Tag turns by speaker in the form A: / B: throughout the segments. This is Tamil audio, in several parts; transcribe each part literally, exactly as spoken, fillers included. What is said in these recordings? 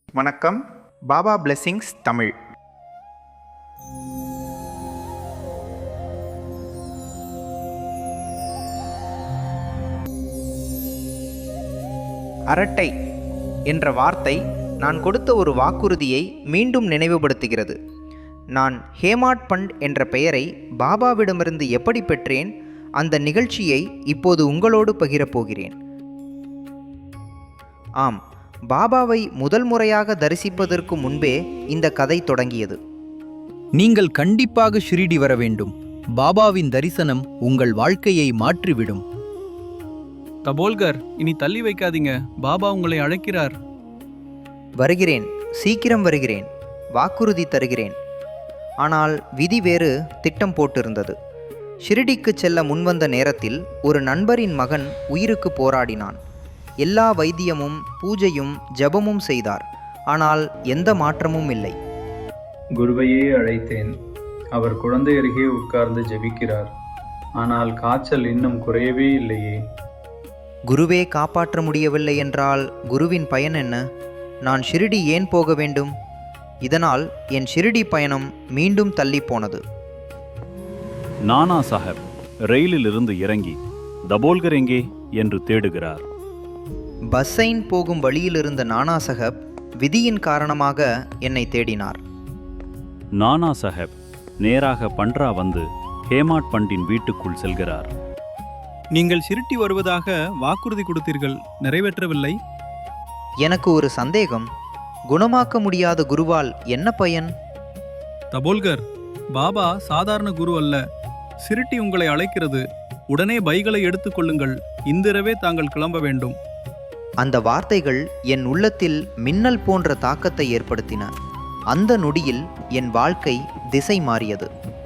A: வணக்கம். பாபா பிளெஸிங்ஸ் தமிழ். அரட்டை என்ற வார்த்தை நான் கொடுத்த ஒரு வாக்குறுதியை மீண்டும் நினைவுபடுத்துகிறது. நான் ஹேமாட் பண்ட் என்ற பெயரை பாபாவிடமிருந்து எப்படி பெற்றேன், அந்த நிகழ்ச்சியை இப்போது உங்களோடு பகிரப்போகிறேன். ஆம், பாபாவை முதல் முறையாக தரிசிப்பதற்கு முன்பே இந்த கதை தொடங்கியது.
B: நீங்கள் கண்டிப்பாக ஷிரிடி வர வேண்டும். பாபாவின் தரிசனம் உங்கள் வாழ்க்கையை மாற்றிவிடும்.
C: தபோல்கர், இனி தள்ளி வைக்காதீங்க. பாபா உங்களை அழைக்கிறார்.
A: வருகிறேன், சீக்கிரம் வருகிறேன், வாக்குறுதி தருகிறேன். ஆனால் விதி வேறு திட்டம் போட்டிருந்தது. ஷிரிடிக்கு செல்ல முன்வந்த நேரத்தில் ஒரு நண்பரின் மகன் உயிருக்கு போராடினான். எல்லா வைத்தியமும் பூஜையும் ஜபமும் செய்தார். ஆனால் எந்த மாற்றமும் இல்லை.
D: குருவையே அழைத்தேன். அவர் குழந்தை அருகே உட்கார்ந்து ஜெபிக்கிறார். ஆனால் காய்ச்சல் இன்னும் குறையவே இல்லையே.
A: குருவே காப்பாற்ற முடியவில்லை என்றால் குருவின் பயன் என்ன? நான் ஷிரிடி ஏன் போக வேண்டும்? இதனால் என் ஷிரிடி பயணம் மீண்டும் தள்ளி போனது.
E: நானா சாஹேப் ரயிலில் இருந்து இறங்கி தபோல்கர் எங்கே என்று தேடுகிறார்.
A: பஸ்ஸைன் போகும் வழியில் இருந்த நானா சாஹேப் விதியின் காரணமாக என்னை தேடினார்.
E: நானா சாஹேப் நேராக பண்ட்ரா வந்து ஹேமாட் பண்டின் வீட்டுக்குள் செல்கிறார்.
C: நீங்கள் ஷிரிடி வருவதாக வாக்குறுதி கொடுத்தீர்கள், நிறைவேற்றவில்லை.
A: எனக்கு ஒரு சந்தேகம். குணமாக்க முடியாத குருவால் என்ன பயன்?
C: தபோல்கர், பாபா சாதாரண குரு அல்ல. ஷிரிடி உங்களை அழைக்கிறது. உடனே பைகளை எடுத்துக்கொள்ளுங்கள். இன்றிரவே தாங்கள் கிளம்ப வேண்டும்.
A: அந்த வார்த்தைகள் என் உள்ளத்தில் மின்னல் போன்ற தாக்கத்தை ஏற்படுத்தின. அந்த நொடியில் என் வாழ்க்கை திசை மாறியது.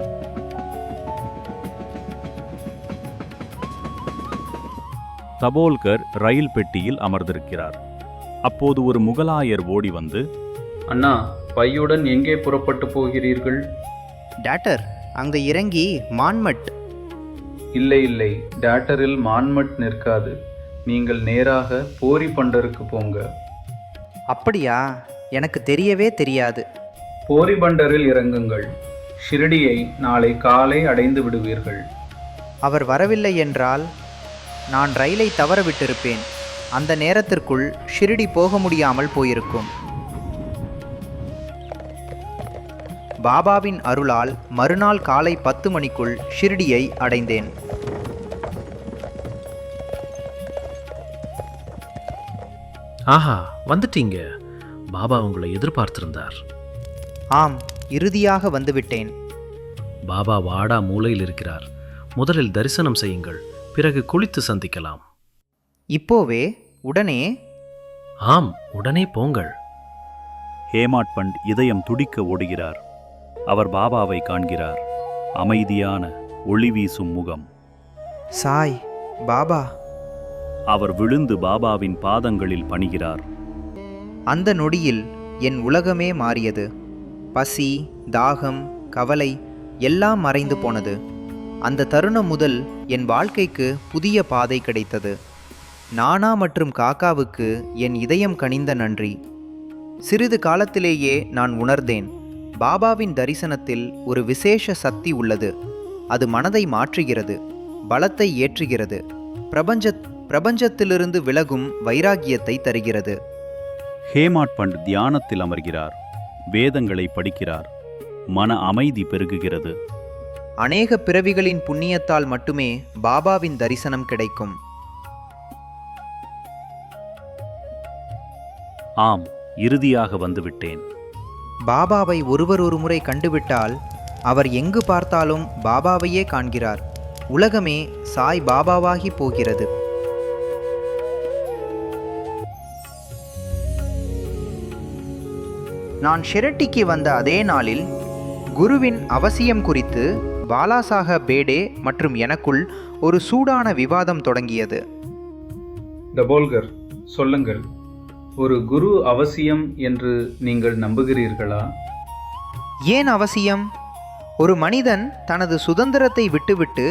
E: தபோல்கர் ரயில் பெட்டியில் அமர்ந்திருக்கிறார். அப்போது ஒரு முகலாயர் ஓடி வந்து,
D: அண்ணா, பையுடன் எங்கே புறப்பட்டு போகிறீர்கள்?
A: டாக்டர், அங்கே இறங்கி மான்மட்.
D: இல்லை இல்லை, டாக்டரில் மான்மட் நிற்காது. நீங்கள் நேராக போரி பண்டருக்கு போங்க.
A: அப்படியா? எனக்கு தெரியவே தெரியாது.
D: போரி பண்டரில் இறங்குங்கள். ஷிரடியை நாளை காலை அடைந்து விடுவீர்கள்.
A: அவர் வரவில்லை என்றால் நான் ரயிலை தவற விட்டிருப்பேன். அந்த நேரத்திற்குள் ஷிரிடி போக முடியாமல் போயிருக்கும். பாபாவின் அருளால் மறுநாள் காலை பத்து மணிக்குள் ஷிரிடியை அடைந்தேன்.
F: ஆஹா, வந்துட்டீங்க. பாபா உங்களை எதிர்பார்த்திருந்தார்.
A: ஆம், இறுதியாக வந்துவிட்டேன்.
F: பாபா வாடா மூலையில் இருக்கிறார். முதலில் தரிசனம் செய்யுங்கள், பிறகு குளித்து சந்திக்கலாம்.
A: இப்போவே? உடனே?
F: ஆம், உடனே போங்கள்.
E: ஹேமாட் பண்ட் இதயம் துடிக்க ஓடுகிறார். அவர் பாபாவை காண்கிறார். அமைதியான ஒளி வீசும் முகம்.
A: சாய் பாபா.
E: அவர் விழுந்து பாபாவின் பாதங்களில் பணிகிறார்.
A: அந்த நொடியில் என் உலகமே மாறியது. பசி, தாகம், கவலை எல்லாம் மறைந்து போனது. அந்த தருணம் முதல் என் வாழ்க்கைக்கு புதிய பாதை கிடைத்தது. நானா மற்றும் காக்காவுக்கு என் இதயம் கனிந்த நன்றி. சிறிது காலத்திலேயே நான் உணர்ந்தேன், பாபாவின் தரிசனத்தில் ஒரு விசேஷ சக்தி உள்ளது. அது மனதை மாற்றுகிறது, பலத்தை ஏற்றுகிறது, பிரபஞ்ச பிரபஞ்சத்திலிருந்து விலகும் வைராகியத்தை தருகிறது.
E: ஹேமாட் பண்ட் தியானத்தில் அமர்கிறார். வேதங்களை படிக்கிறார். மன அமைதி பெருகுகிறது.
A: அநேக பிறவிகளின் புண்ணியத்தால் மட்டுமே பாபாவின் தரிசனம் கிடைக்கும்.
E: ஆம், இறுதியாக வந்துவிட்டேன்.
A: பாபாவை ஒருவர் ஒரு முறை கண்டுவிட்டால் அவர் எங்கு பார்த்தாலும் பாபாவையே காண்கிறார். உலகமே சாய் பாபாவாகி போகிறது. நான் ஷிரடிக்கு வந்த அதே நாளில் குருவின் அவசியம் குறித்து பாலாசாஹப் பேடே மற்றும் எனக்குள் ஒரு சூடான விவாதம் தொடங்கியது.
D: தபோல்கர், சொல்லுங்கள், ஒரு குரு அவசியம் என்று நீங்கள் நம்புகிறீர்களா?
A: ஏன் அவசியம்? ஒரு மனிதன் தனது சுதந்திரத்தை விட்டுவிட்டு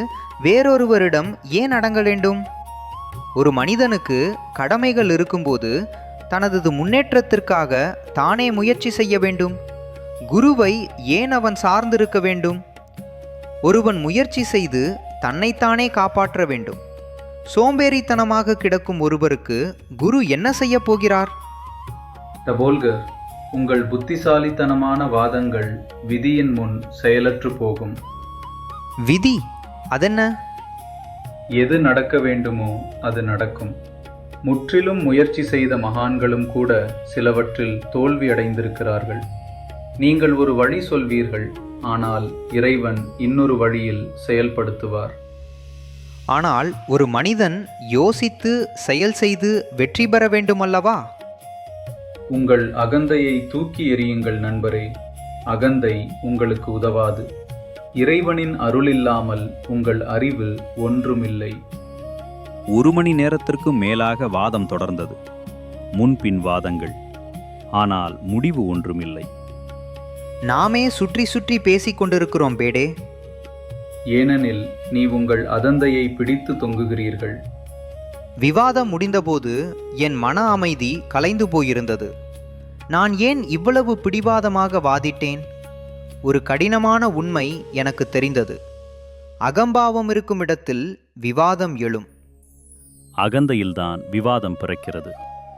A: வேறொருவரிடம் ஏன் அடங்க வேண்டும்? ஒரு மனிதனுக்கு கடமைகள் இருக்கும்போது தனது முன்னேற்றத்திற்காக தானே முயற்சி செய்ய வேண்டும்? குருவை ஏன் அவன் சார்ந்திருக்க வேண்டும்? ஒருவன் முயற்சி செய்து தன்னைத்தானே காப்பாற்ற வேண்டும். சோம்பேறித்தனமாக கிடக்கும் ஒருவருக்கு குரு என்ன செய்ய போகிறார்?
D: டபோல்கர், உங்கள் புத்திசாலித்தனமான வாதங்கள் விதியின் முன் செயலற்று போகும்.
A: விதி அதென்ன?
D: எது நடக்க வேண்டுமோ அது நடக்கும். முற்றிலும் முயற்சி செய்த மகான்களும் கூட சிலவற்றில் தோல்வி அடைந்திருக்கிறார்கள். நீங்கள் ஒரு வழி சொல்வீர்கள், ஆனால் இறைவன் இன்னொரு வழியில் செயல்படுத்துவார்.
A: ஆனால் ஒரு மனிதன் யோசித்து செயல் செய்து வெற்றி பெற வேண்டுமல்லவா?
D: உங்கள் அகந்தையை தூக்கி எறியுங்கள் நண்பரே. அகந்தை உங்களுக்கு உதவாது. இறைவனின் அருள் இல்லாமல் உங்கள் அறிவு ஒன்றுமில்லை.
E: ஒரு மணி நேரத்திற்கும் மேலாக வாதம் தொடர்ந்தது. முன்பின் வாதங்கள். ஆனால் முடிவு ஒன்றுமில்லை.
A: நாமே சுற்றி சுற்றி பேசிக் கொண்டிருக்கிறோம் பேடே.
D: ஏனெனில் நீ உங்கள் அதந்தையை பிடித்து தொங்குகிறீர்கள்.
A: விவாதம் முடிந்தபோது என் மன அமைதி கலைந்து போயிருந்தது. நான் ஏன் இவ்வளவு பிடிவாதமாக வாதிட்டேன்? ஒரு கடினமான உண்மை எனக்கு தெரிந்தது. அகம்பாவம் இருக்கும் இடத்தில் விவாதம் எழும்.
E: அகந்தையில்தான் விவாதம் பிறக்கிறது.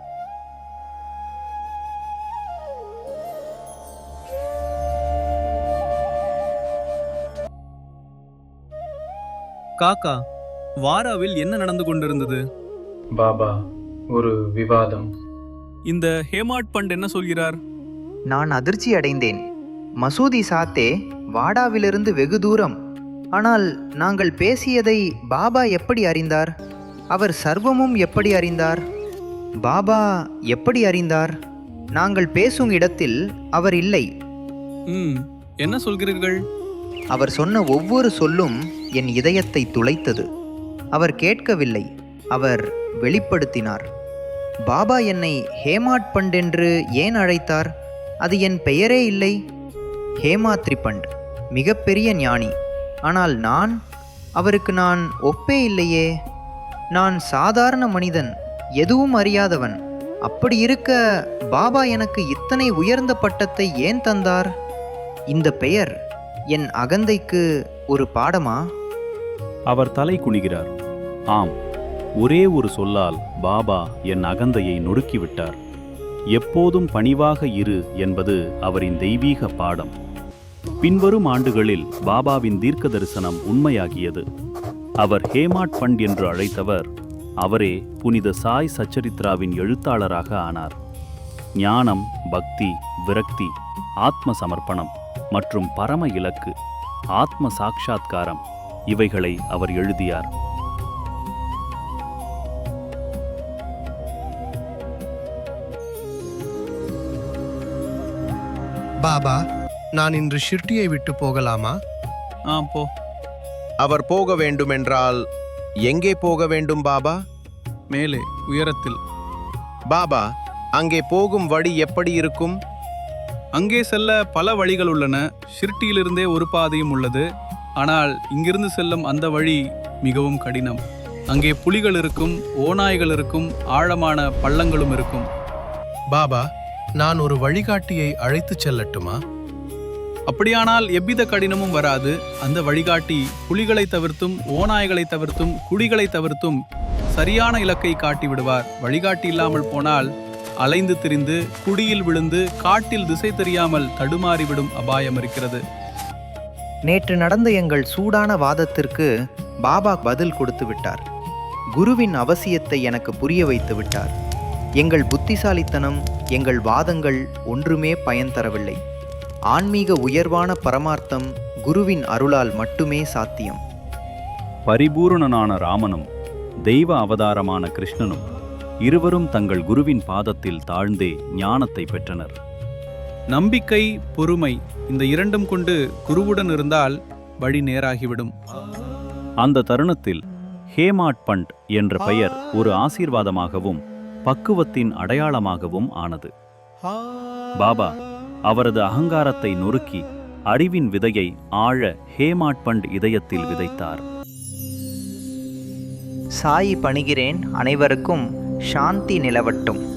C: காக்கா, வாராவில் என்ன நடந்து கொண்டிருந்தது?
D: பாபா, ஒரு விவாதம்.
C: இந்த ஹேமாட் பண்ட் என்ன சொல்கிறார்?
A: நான் அதிர்ச்சி அடைந்தேன். மசூதி சாத்தே வாடாவிலிருந்து வெகு தூரம். ஆனால் நாங்கள் பேசியதை பாபா எப்படி அறிந்தார்? அவர் சர்வமும் எப்படி அறிந்தார்? பாபா எப்படி அறிந்தார்? நாங்கள் பேசும் இடத்தில் அவர் இல்லை.
C: ம் என்ன சொல்கிறீர்கள்?
A: அவர் சொன்ன ஒவ்வொரு சொல்லும் என் இதயத்தை துளைத்தது. அவர் கேட்கவில்லை, அவர் வெளிப்படுத்தினார். பாபா என்னை ஹேமாட் பண்ட் என்று ஏன் அழைத்தார்? அது என் பெயரே இல்லை. ஹேமாத்ரி பண்ட் மிகப்பெரிய ஞானி. ஆனால் நான் அவருக்கு நான் ஒப்பே இல்லையே. நான் சாதாரண மனிதன், எதுவும் அறியாதவன். அப்படி இருக்க பாபா எனக்கு இத்தனை உயர்ந்த பட்டத்தை ஏன் தந்தார்? இந்த பெயர் என் அகந்தைக்கு ஒரு பாடமா?
E: அவர் தலை குனிகிறார். ஆம், ஒரே ஒரு சொல்லால் பாபா என் அகந்தையை நொறுக்கிவிட்டார். எப்போதும் பணிவாக இரு என்பது அவரின் தெய்வீக பாடம். பின்வரும் ஆண்டுகளில் பாபாவின் தீர்க்க தரிசனம் உண்மையாகியது. அவர் ஹேமாட் பண்ட் என்று அழைத்தவர், அவரே புனித சாய் சச்சரித்ராவின் எழுத்தாளராக ஆனார். ஞானம், பக்தி, விரக்தி, ஆத்ம சமர்ப்பணம் மற்றும் பரம இலக்கு, ஆத்ம சாட்சாத்காரம், இவைகளை அவர் எழுதியார்.
G: பாபா, நான் இன்று ஷிர்டியை விட்டு போகலாமா?
C: ஆ போ.
H: அவர் போக வேண்டுமென்றால் எங்கே போக வேண்டும் பாபா?
C: மேலே உயரத்தில்.
H: பாபா, அங்கே போகும் வழி எப்படி இருக்கும்?
C: அங்கே செல்ல பல வழிகள் உள்ளன. ஷிர்டியிலிருந்தே ஒரு பாதையும் உள்ளது. ஆனால் இங்கிருந்து செல்லும் அந்த வழி மிகவும் கடினம். அங்கே புலிகள் இருக்கும், ஓநாய்கள் இருக்கும், ஆழமான பள்ளங்களும் இருக்கும்.
G: பாபா, நான் ஒரு வழிகாட்டியை அழைத்துச் செல்லட்டுமா?
C: அப்படியானால் எவ்வித கடினமும் வராது. அந்த வழிகாட்டி புலிகளை தவிர்த்தும், ஓநாய்களை தவிர்த்தும், குடிகளை தவிர்த்தும் சரியான இலக்கை காட்டி விடுவார். வழிகாட்டி இல்லாமல் போனால் அலைந்து திரிந்து குடியில் விழுந்து காட்டில் திசை தெரியாமல் தடுமாறிவிடும் அபாயம் இருக்கிறது.
A: நேற்று நடந்த எங்கள் சூடான வாதத்திற்கு பாபா பதில் கொடுத்து விட்டார். குருவின் அவசியத்தை எனக்கு புரிய வைத்து விட்டார். எங்கள் புத்திசாலித்தனம், எங்கள் வாதங்கள் ஒன்றுமே பயன் தரவில்லை. ஆன்மீக உயர்வான பரமார்த்தம் குருவின் அருளால் மட்டுமே சாத்தியம்.
E: பரிபூரணனான ராமனும் தெய்வ அவதாரமான கிருஷ்ணனும் இருவரும் தங்கள் குருவின் பாதத்தில் தாழ்ந்தே ஞானத்தை பெற்றனர்.
C: நம்பிக்கை, பொறுமை, இந்த இரண்டும் கொண்டு குருவுடன் இருந்தால் வழி நேராகிவிடும்.
E: அந்த தருணத்தில் ஹேமாட் பண்ட் என்ற பெயர் ஒரு ஆசீர்வாதமாகவும் பக்குவத்தின் அடையாளமாகவும் ஆனது. பாபா அவரது அகங்காரத்தை நொறுக்கி அறிவின் விதையை ஆழ ஹேமாட் பண்ட் இதயத்தில் விதைத்தார்.
A: சாயி பணிகிறேன். அனைவருக்கும் சாந்தி நிலவட்டும்.